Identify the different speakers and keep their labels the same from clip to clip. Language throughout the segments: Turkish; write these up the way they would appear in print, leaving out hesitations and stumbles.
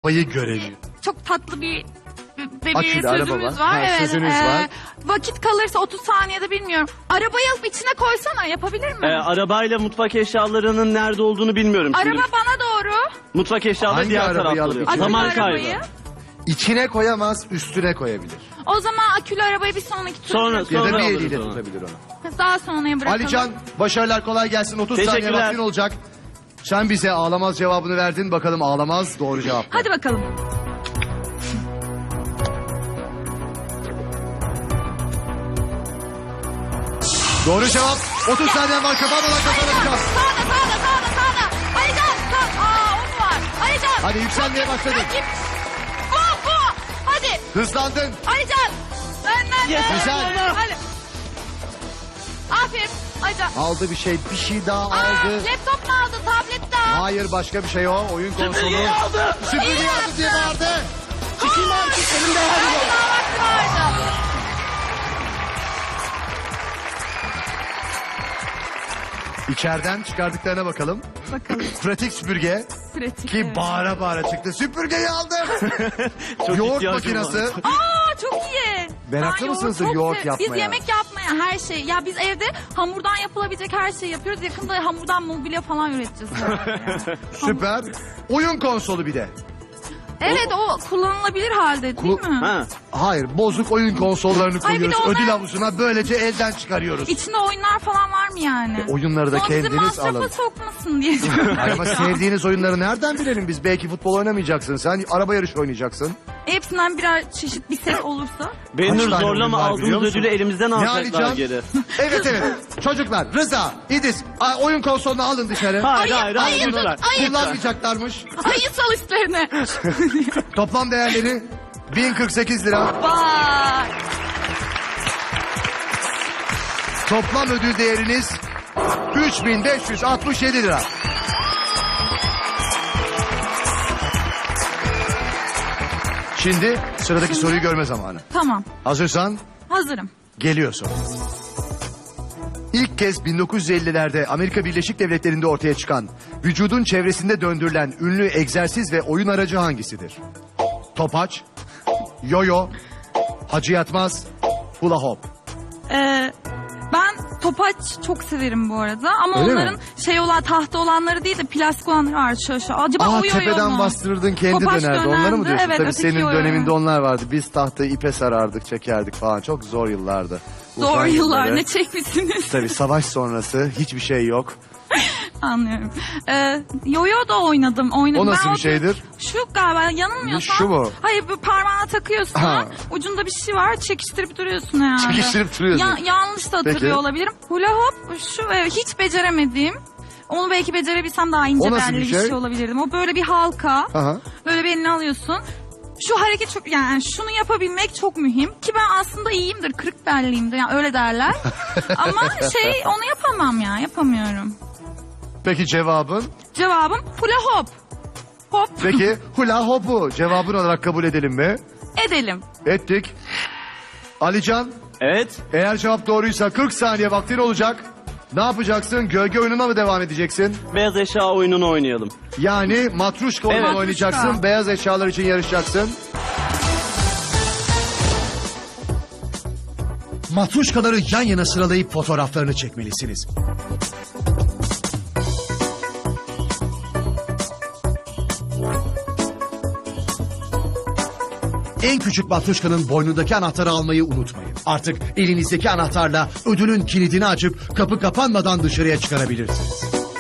Speaker 1: arabayı görelim.
Speaker 2: Çok tatlı bir
Speaker 1: Akülü araba
Speaker 2: sözümüz
Speaker 1: var.
Speaker 2: var.
Speaker 1: Ha,
Speaker 2: Evet.
Speaker 1: sözünüz var.
Speaker 2: Vakit kalırsa 30 saniyede bilmiyorum. Arabayı alıp içine koysana, yapabilir mi?
Speaker 3: Arabayla mutfak eşyalarının nerede olduğunu bilmiyorum şimdi.
Speaker 2: Araba bana doğru.
Speaker 3: Mutfak eşyaları
Speaker 1: Hangi
Speaker 3: diğer
Speaker 1: arabayı
Speaker 3: tarafta
Speaker 1: alıp
Speaker 3: oluyor.
Speaker 1: içine
Speaker 2: Akülü
Speaker 3: Zaman
Speaker 2: arabayı.
Speaker 3: kaybı.
Speaker 1: İçine koyamaz, üstüne koyabilir.
Speaker 2: O zaman akülü arabayı bir sonraki tur.
Speaker 3: Sonra
Speaker 1: Ya da bir
Speaker 3: alırız
Speaker 1: eliyle
Speaker 3: onu.
Speaker 1: tutabilir onu.
Speaker 2: Daha sonraya bırakalım.
Speaker 1: Alican, başarılar, kolay gelsin. 30 saniye
Speaker 3: Teşekkürler.
Speaker 1: vaktin olacak. Sen bize ağlamaz cevabını verdin. Bakalım ağlamaz doğru cevap.
Speaker 2: Hadi bakalım.
Speaker 1: Doğru cevap. 30 saniye var. Kapatmadan kazanacağız.
Speaker 2: Sağda. Alican. O mu var? Alican.
Speaker 1: Hadi yükselmeye başladın.
Speaker 2: Rakip. Bu. Hadi.
Speaker 1: Hızlandın.
Speaker 2: Alican. Benden.
Speaker 1: Güzel.
Speaker 2: Hadi. Aferin. Alican.
Speaker 1: Aldı bir şey daha
Speaker 2: Aa,
Speaker 1: aldı.
Speaker 2: laptop mu aldı? Tablet de al.
Speaker 1: Hayır, başka bir şey o. Oyun konsolu.
Speaker 3: Süpürgeyi aldı.
Speaker 1: Süpürgeyi
Speaker 2: İyi
Speaker 1: aldı diye
Speaker 2: yaptın.
Speaker 1: bağırdı.
Speaker 3: Çıkayım artık elimde hadi.
Speaker 2: Daha vakti vardı.
Speaker 1: İçeriden çıkardıklarına bakalım.
Speaker 2: Bakalım.
Speaker 1: Pratik süpürge
Speaker 2: Pratik.
Speaker 1: ki
Speaker 2: evet.
Speaker 1: bağıra bağıra çıktı. Süpürgeyi aldım.
Speaker 3: Çok
Speaker 1: Yoğurt
Speaker 3: ihtiyacım
Speaker 1: makinesi.
Speaker 3: var.
Speaker 2: Çok iyi.
Speaker 1: Meraklı
Speaker 2: Ben
Speaker 1: mısınız
Speaker 2: çok
Speaker 1: yoğurt
Speaker 2: Biz
Speaker 1: yapmaya?
Speaker 2: yemek yapmaya her şey. Ya biz evde hamurdan yapılabilecek her şeyi yapıyoruz. Yakında hamurdan mobilya falan üreteceğiz.
Speaker 1: Süper. Oyun konsolu bir de.
Speaker 2: Evet, o kullanılabilir halde değil mi?
Speaker 3: Ha.
Speaker 1: Hayır, bozuk oyun konsollarını
Speaker 2: Ay, bir de
Speaker 1: koyuyoruz.
Speaker 2: onlar-
Speaker 1: Ödül havuzuna böylece elden çıkarıyoruz.
Speaker 2: İçinde oyunlar falan var mı yani?
Speaker 1: Oyunları da
Speaker 2: Son bizi
Speaker 1: kendiniz
Speaker 2: masrafa
Speaker 1: alın.
Speaker 2: sokmasın diye.
Speaker 1: Ay, ama sevdiğiniz oyunları nereden bilelim biz? Belki futbol oynamayacaksın. Sen araba yarışı oynayacaksın.
Speaker 2: Hepsinden birer çeşit bir set olursa.
Speaker 3: Benur
Speaker 1: tane
Speaker 3: zorlama
Speaker 1: oyun var biliyor
Speaker 3: aldığımız
Speaker 1: musun?
Speaker 3: ödülü elimizden
Speaker 1: Ne
Speaker 3: alacaklar
Speaker 1: alacağım?
Speaker 3: geri.
Speaker 1: Evet. Çocuklar, Rıza, İdris, oyun konsolunu alın dışarı.
Speaker 3: Hayır
Speaker 2: ayı
Speaker 3: lütfen.
Speaker 2: tut, ayı.
Speaker 1: Kullanmayacaklarmış.
Speaker 2: Ayı sal üstlerine.
Speaker 1: Toplam değerleri 1048 lira.
Speaker 2: Vay.
Speaker 1: Toplam ödül değeriniz 3567 lira. Şimdi sıradaki soruyu görme zamanı.
Speaker 2: Tamam,
Speaker 1: Hazırsan
Speaker 2: hazırım.
Speaker 1: geliyorsun. İlk kez 1950'lerde Amerika Birleşik Devletleri'nde ortaya çıkan, vücudun çevresinde döndürülen ünlü egzersiz ve oyun aracı hangisidir? Topaç, yoyo, hacı yatmaz, hula hop.
Speaker 2: Ben topaç çok severim bu arada. Ama
Speaker 1: Öyle
Speaker 2: onların
Speaker 1: mi?
Speaker 2: şey olan tahta olanları değil de plastik olanları var şöyle. Acaba o yoyo
Speaker 1: Tepeden
Speaker 2: mu?
Speaker 1: bastırırdın kendi
Speaker 2: Topaç
Speaker 1: dönerdi. Onları mı
Speaker 2: dönerdi,
Speaker 1: diyorsun?
Speaker 2: evet,
Speaker 1: Tabii
Speaker 2: öteki
Speaker 1: senin
Speaker 2: yoyo.
Speaker 1: döneminde onlar vardı. Biz tahtayı ipe sarardık, çekerdik falan. Çok zor yıllardı.
Speaker 2: Zor
Speaker 1: Uzun
Speaker 2: yıllar
Speaker 1: yılları.
Speaker 2: ne çekmişsiniz?
Speaker 1: Tabii savaş sonrası hiçbir şey yok.
Speaker 2: Anlıyorum. Yoyo da oynadım.
Speaker 1: O nasıl
Speaker 2: Ben
Speaker 1: bir şeydir?
Speaker 2: Şu galiba yanılmıyorsam.
Speaker 1: Şu mu?
Speaker 2: Hayır, bu parmağına takıyorsun.
Speaker 1: Ha.
Speaker 2: Ucunda bir şey var, çekiştirip duruyorsun herhalde.
Speaker 1: Çekiştirip duruyorsun.
Speaker 2: Yanlış da hatırlıyor
Speaker 1: Peki.
Speaker 2: olabilirim. Hula hop şu hiç beceremediğim. Onu belki becerebilsem daha ince
Speaker 1: O nasıl
Speaker 2: belli
Speaker 1: bir
Speaker 2: bir
Speaker 1: şey?
Speaker 2: şey olabilirdim. O böyle bir halka.
Speaker 1: Aha.
Speaker 2: Böyle bir eline alıyorsun. Şu hareket çok, yani şunu yapabilmek çok mühim. Ki ben aslında iyiyimdir, kırık belliyimdir. Yani öyle derler. Ama onu yapamam ya, yapamıyorum.
Speaker 1: Peki cevabın?
Speaker 2: Cevabım hula hop. Hop.
Speaker 1: Peki hula hopu cevabın olarak kabul edelim mi?
Speaker 2: Edelim.
Speaker 1: Ettik. Alican,
Speaker 3: Evet.
Speaker 1: eğer cevap doğruysa 40 saniye vaktin olacak. Ne yapacaksın? Gölge oyununa mı devam edeceksin?
Speaker 3: Beyaz eşya oyununu oynayalım.
Speaker 1: Yani matruşka oyunu
Speaker 3: Evet.
Speaker 1: oynayacaksın.
Speaker 2: Matruşka.
Speaker 1: Beyaz eşyalar için yarışacaksın. Matruşkaları yan yana sıralayıp fotoğraflarını çekmelisiniz. En küçük matruşkanın boynundaki anahtarı almayı unutmayın. Artık elinizdeki anahtarla ödülün kilidini açıp kapı kapanmadan dışarıya çıkarabilirsiniz.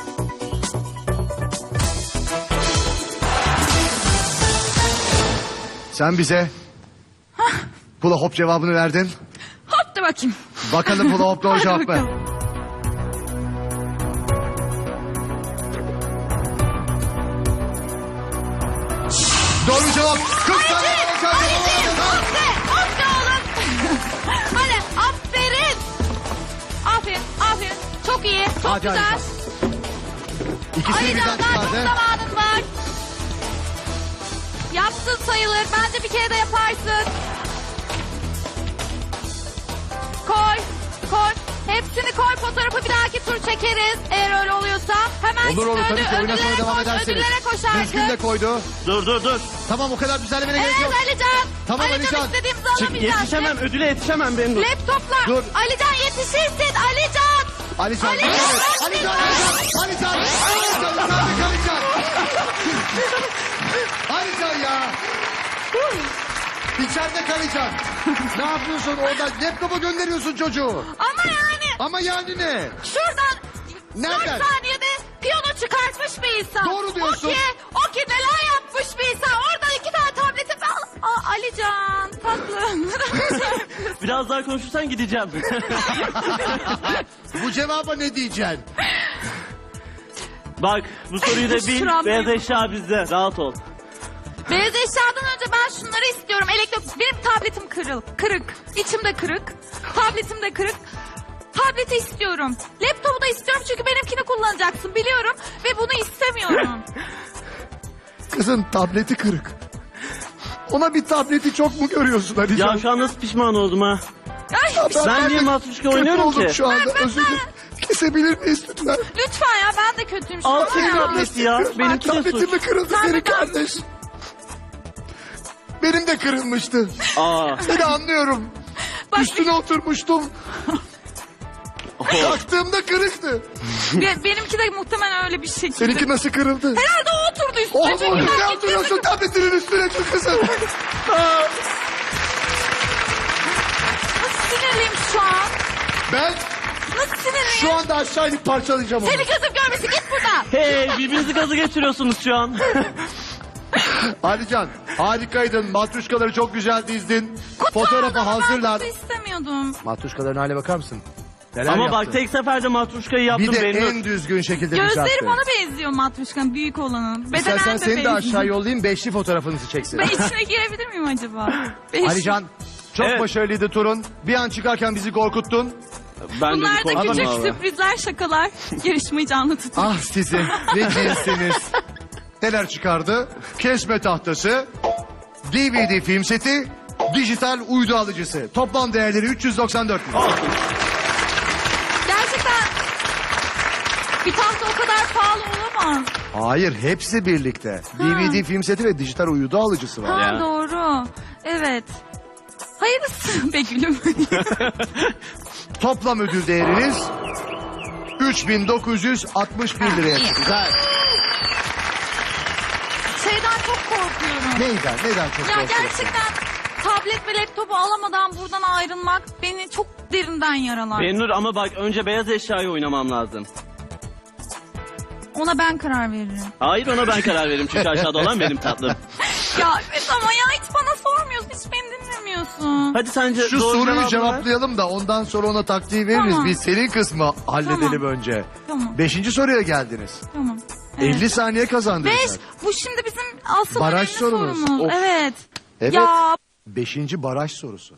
Speaker 1: Sen bize hula hop cevabını verdin.
Speaker 2: Hop da bakayım.
Speaker 1: Bakalım hula hop doğru
Speaker 2: Hadi
Speaker 1: cevap mı?
Speaker 2: bakalım.
Speaker 1: Doğru cevap. 40 saniye kalacak.
Speaker 2: Hop da oğlum. Hadi aferin. Aferin. Çok iyi. Çok
Speaker 1: Hadi,
Speaker 2: güzel.
Speaker 1: hadi. İkisini birden
Speaker 2: Alican, daha çok
Speaker 1: çıkardı.
Speaker 2: zamanın var. Yaptın sayılır. Bence bir kere de yaparsın. Koy. hepsini koy, fotoğrafı bir dahaki tur çekeriz. Eğer öyle oluyorsa. Hemen
Speaker 1: Olur olur,
Speaker 2: şimdi
Speaker 1: tabii ki oyuna sonra
Speaker 2: ödüllere
Speaker 1: devam
Speaker 2: koş,
Speaker 1: ederseniz.
Speaker 2: ödüllere koş
Speaker 1: Düzgün de
Speaker 2: artık.
Speaker 1: koydu.
Speaker 3: Dur.
Speaker 1: Tamam, o kadar düzenlemene gerek
Speaker 2: Evet
Speaker 1: yok.
Speaker 2: Alican.
Speaker 1: Tamam,
Speaker 2: Alican,
Speaker 1: Alican.
Speaker 2: istediğimizi
Speaker 3: Çık,
Speaker 2: alamayacağız.
Speaker 3: yetişemem, ödüle yetişemem Benur.
Speaker 2: Laptopla.
Speaker 1: Dur.
Speaker 2: Alican yetişirsin Alican.
Speaker 1: Alican.
Speaker 2: Alican.
Speaker 1: Alican. Alican. Alican ya. İçeride kalacaksın. Ne yapıyorsun orada? Laptopa gönderiyorsun çocuğu.
Speaker 2: Ama yani
Speaker 1: ne?
Speaker 2: şuradan
Speaker 1: Nereden?
Speaker 2: 4 saniyede piyano çıkartmış bir insan.
Speaker 1: Doğru diyorsun.
Speaker 2: O ki neler yapmış bir insan. Orada 2 tane tableti Alican tatlım.
Speaker 3: Biraz daha konuşursan gideceğim.
Speaker 1: Bu cevaba ne diyeceksin?
Speaker 3: Bak bu soruyu da bil.
Speaker 2: Şuram
Speaker 3: Beyaz
Speaker 2: büyük.
Speaker 3: eşya bizde. Rahat ol.
Speaker 2: Beyaz eşyadan önce ben şunları istiyorum. Benim tabletim kırık. İçim de kırık. Tabletim de kırık. Tableti istiyorum. Laptopu da istiyorum çünkü benimkini kullanacaksın biliyorum. Ve bunu istemiyorum.
Speaker 1: Kızın tableti kırık. Ona bir tableti çok mu görüyorsun Alican?
Speaker 3: Ya şu an nasıl pişman oldum ha.
Speaker 2: Ay,
Speaker 3: Ben niye Matruşka oynuyorum
Speaker 1: oldum
Speaker 3: ki?
Speaker 1: şu anda. Özür dilerim. Kesebilir miyiz lütfen?
Speaker 2: lütfen ya ben de kötüyüm şu
Speaker 3: Al
Speaker 2: an
Speaker 3: senin
Speaker 2: ya.
Speaker 3: tableti ya. Benimki de
Speaker 1: Tabletim
Speaker 3: suç.
Speaker 1: mi kırıldı
Speaker 2: Sen
Speaker 1: senin
Speaker 2: de kal.
Speaker 1: kardeş? Benim de kırılmıştı.
Speaker 3: Aa.
Speaker 1: Seni anlıyorum.
Speaker 2: Bak,
Speaker 1: Üstüne oturmuştum. Kalktığımda kırıktı.
Speaker 2: benimki de muhtemelen öyle bir şekilde.
Speaker 1: Seninki nasıl kırıldı?
Speaker 2: Herhalde o oturdu üstüne.
Speaker 1: Oğlum
Speaker 2: çünkü ben
Speaker 1: ne oturuyorsun tabletinin üstüne tut kızım.
Speaker 2: Nasıl sinirliyim şu an?
Speaker 1: Ben
Speaker 2: Nasıl sinirliyim?
Speaker 1: şu anda aşağı inip parçalayacağım onu.
Speaker 2: Seni gözüm görmesin git buradan.
Speaker 3: Hey birbirinizi gazı getiriyorsunuz şu an.
Speaker 1: Alican harikaydın. Matruşkaları çok güzel dizdin. Fotoğrafı
Speaker 2: Ama
Speaker 1: hazırlar.
Speaker 2: Ben istemiyordum.
Speaker 1: Matruşkaların hale bakar mısın? Neler
Speaker 3: Ama
Speaker 1: yaptı?
Speaker 3: bak tek seferde Matruşka'yı yaptım
Speaker 1: Bir de
Speaker 3: Benur.
Speaker 1: en düzgün şekilde
Speaker 2: Gözleri
Speaker 1: düzeltti.
Speaker 2: bana benziyor Matruşka'nın büyük olanın. Bedenen
Speaker 1: İstersen
Speaker 2: de
Speaker 1: seni de
Speaker 2: benziyor.
Speaker 1: aşağı yollayayım. Beşli fotoğrafınızı çeksin.
Speaker 2: Ben içine girebilir miyim acaba?
Speaker 1: Alican çok
Speaker 3: Evet.
Speaker 1: başarılıydı turun. Bir an çıkarken bizi korkuttun.
Speaker 3: Ben de bir
Speaker 2: Bunlar da
Speaker 3: korktum
Speaker 2: küçük
Speaker 3: valla.
Speaker 2: sürprizler, şakalar. Yarışmayı canlı tutun.
Speaker 1: Ah sizi ne cinsiniz. Neler çıkardı? Kesme tahtası, DVD film seti, dijital uydu alıcısı. Toplam değerleri 394 milyon.
Speaker 2: Gerçekten bir tahta o kadar pahalı olamaz.
Speaker 1: Hayır hepsi birlikte. DVD film seti ve dijital uydu alıcısı var.
Speaker 2: Ha
Speaker 3: Ya.
Speaker 2: doğru. Evet. Hayırlısı be gülüm.
Speaker 1: Toplam ödül değeriniz 3961 liraya çıktı.
Speaker 3: Güzel.
Speaker 2: Şeyden çok korkuyorum.
Speaker 1: Neyden çok
Speaker 2: Ya
Speaker 1: korkuyorsun?
Speaker 2: gerçekten tablet ve laptopu alamadan buradan ayrılmak beni çok derinden yaralar.
Speaker 3: Benur ama bak önce beyaz eşyayı oynamam lazım.
Speaker 2: Ona ben karar veririm.
Speaker 3: Hayır ona ben karar veririm çünkü aşağıda olan benim tatlım.
Speaker 2: Ya evet ama ya hiç bana sormuyorsun, hiç beni dinlemiyorsun.
Speaker 3: Hadi sence
Speaker 1: Şu
Speaker 3: doğru
Speaker 1: soruyu
Speaker 3: cevabı ver.
Speaker 1: cevaplayalım da ondan sonra ona taktiği veririz.
Speaker 2: Tamam.
Speaker 1: Biz senin kısmı halledelim
Speaker 2: Tamam.
Speaker 1: önce.
Speaker 2: Tamam.
Speaker 1: 5. soruya geldiniz.
Speaker 2: Tamam. Evet.
Speaker 1: 50 saniye kazandınız.
Speaker 2: 5.
Speaker 1: zaten.
Speaker 2: Bu şimdi bizim asıl
Speaker 1: Baraj
Speaker 2: önemli
Speaker 1: sorunuz.
Speaker 2: sorumuz.
Speaker 1: Of.
Speaker 2: Evet.
Speaker 1: Evet.
Speaker 2: Ya
Speaker 1: 5. baraj sorusu.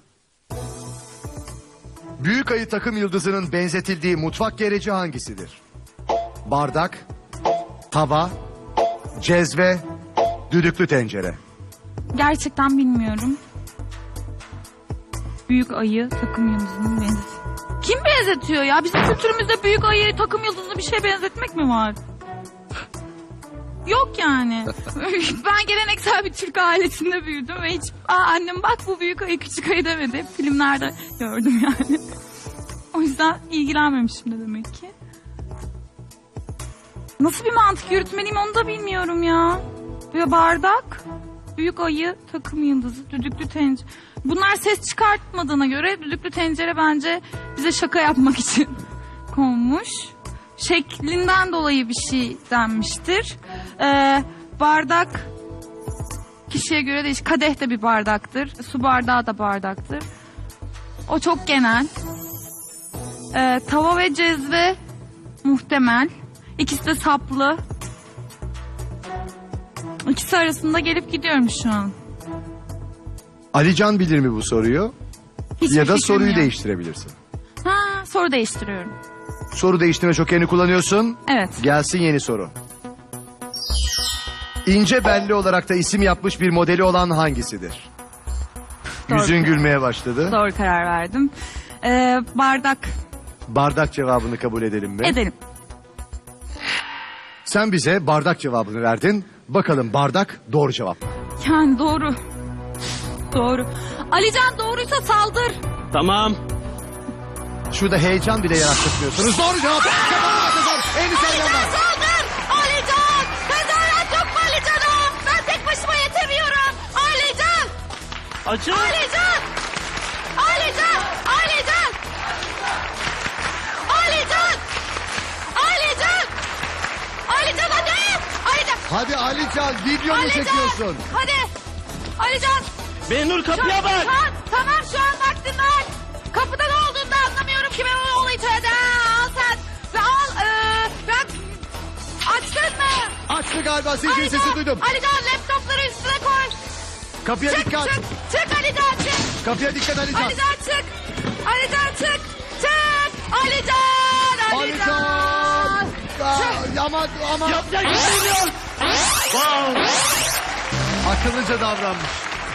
Speaker 1: Büyük ayı takım yıldızının benzetildiği mutfak gereci hangisidir? Bardak, tava, cezve, düdüklü tencere.
Speaker 2: gerçekten bilmiyorum. Büyük ayı takım yıldızını benzetiyor. Kim benzetiyor ya? Bizim kültürümüzde büyük ayı takım yıldızını bir şeye benzetmek mi var? Yok yani. Ben geleneksel bir Türk ailesinde büyüdüm ve hiç annem bak bu büyük ayı küçük ayı demedi. Hep filmlerde gördüm yani. O yüzden ilgilenmemişim de demek ki. Nasıl bir mantık yürütmeliyim onu da bilmiyorum ya. Böyle bardak, büyük ayı, takım yıldızı, düdüklü tencere. Bunlar ses çıkartmadığına göre düdüklü tencere bence bize şaka yapmak için konmuş. Şeklinden dolayı bir şey denmiştir. Bardak kişiye göre değişir. Kadeh de bir bardaktır. Su bardağı da bardaktır. O çok genel. Tava ve cezve muhtemel. İkisi de saplı. İkisi arasında gelip gidiyorum şu an.
Speaker 1: Alican bilir mi bu soruyu?
Speaker 2: Hiçbir
Speaker 1: Ya da
Speaker 2: fikrim
Speaker 1: soruyu
Speaker 2: yok.
Speaker 1: değiştirebilirsin.
Speaker 2: Ha, soru değiştiriyorum.
Speaker 1: Soru değiştirme jokerini kullanıyorsun.
Speaker 2: Evet.
Speaker 1: Gelsin yeni soru. İnce belli olarak da isim yapmış bir modeli olan hangisidir?
Speaker 2: Doğru.
Speaker 1: Yüzün gülmeye başladı.
Speaker 2: Doğru karar verdim. Bardak.
Speaker 1: Bardak cevabını kabul edelim mi?
Speaker 2: Edelim.
Speaker 1: Sen bize bardak cevabını verdin. Bakalım bardak doğru cevap mı?
Speaker 2: Yani doğru. Doğru. Alican doğruysa saldır.
Speaker 3: Tamam.
Speaker 1: Şurada heyecan bile yarattırmıyorsunuz. Doğru cevap. Kazanlar. 50 saniye var.
Speaker 2: Alican saldır. Alican. Tezahürat yok mu Alican'ım? Ben tek başıma yetemiyorum. Alican.
Speaker 3: Açın.
Speaker 2: Alican. Alican. Alican. Alican. Alican. Alican hadi. Alican.
Speaker 1: Hadi Alican, video mu
Speaker 2: Alican.
Speaker 1: çekiyorsun?
Speaker 2: Hadi. Alican.
Speaker 3: Benur kapıya bak.
Speaker 2: Tamam şu an vaktin var. Kapıda ne olduğunu da anlamıyorum ki ben onu içeride. Al sen. Ve al. Ben açtın mı?
Speaker 1: Açtı galiba, sizin sesi duydum.
Speaker 2: Alican laptopları üstüne koy.
Speaker 1: Kapıya
Speaker 2: Çık
Speaker 1: dikkat.
Speaker 2: çık. Çık Alican çık.
Speaker 1: Kapıya dikkat Alican.
Speaker 2: Alican çık. Alican çık. Çık. Alican.
Speaker 1: Alican. Ama
Speaker 3: Yapacak bir şey yok. Wow.
Speaker 1: akıllıca davranmış.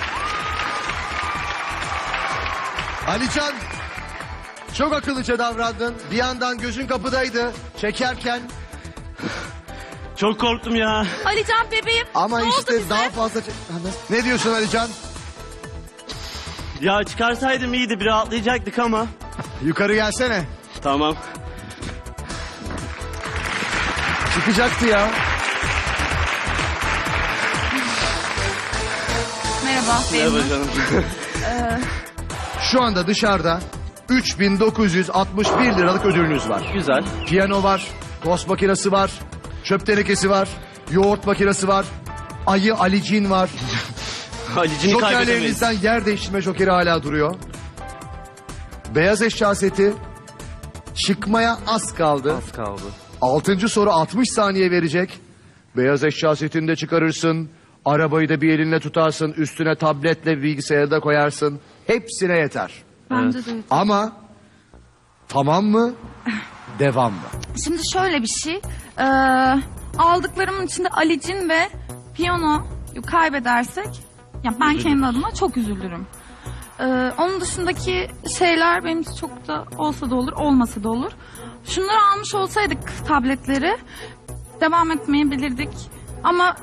Speaker 1: Alican, çok akıllıca davrandın. Bir yandan gözün kapıdaydı çekerken.
Speaker 3: Çok korktum ya.
Speaker 2: Alican bebeğim.
Speaker 1: Ama
Speaker 2: ne oldu
Speaker 1: işte
Speaker 2: bize?
Speaker 1: daha fazla... Ne diyorsun Alican?
Speaker 3: Ya çıkarsaydım iyiydi, bir rahatlayacaktık ama.
Speaker 1: Yukarı gelsene.
Speaker 3: Tamam.
Speaker 1: Çıkacaktı ya.
Speaker 2: Merhaba.
Speaker 3: Merhaba
Speaker 2: Bennu.
Speaker 3: canım.
Speaker 1: Şu anda dışarıda 3.961 liralık ödülünüz var.
Speaker 3: Güzel.
Speaker 1: Piyano var, tost makinesi var, çöp tenekesi var, yoğurt makinesi var, ayı Alicin var.
Speaker 3: Halicini kaybedemeyiz.
Speaker 1: Jokerlerinizden yer değiştirme jokeri hala duruyor. Beyaz eşya seti çıkmaya az kaldı.
Speaker 3: Az kaldı.
Speaker 1: 6. soru 60 saniye verecek. Beyaz eşya setini de çıkarırsın. Arabayı da bir elinle tutarsın. Üstüne tabletle bilgisayarı da koyarsın. Hepsine yeter.
Speaker 2: Bence de.
Speaker 1: Ama tamam mı? Devam mı?
Speaker 2: Şimdi şöyle bir şey. Aldıklarımın içinde Alicin ve piyano kaybedersek ya ben kendi adıma çok üzülürüm. Onun dışındaki şeyler benim için çok da olsa da olur, olmasa da olur. Şunları almış olsaydık tabletleri devam etmeyebilirdik. Ama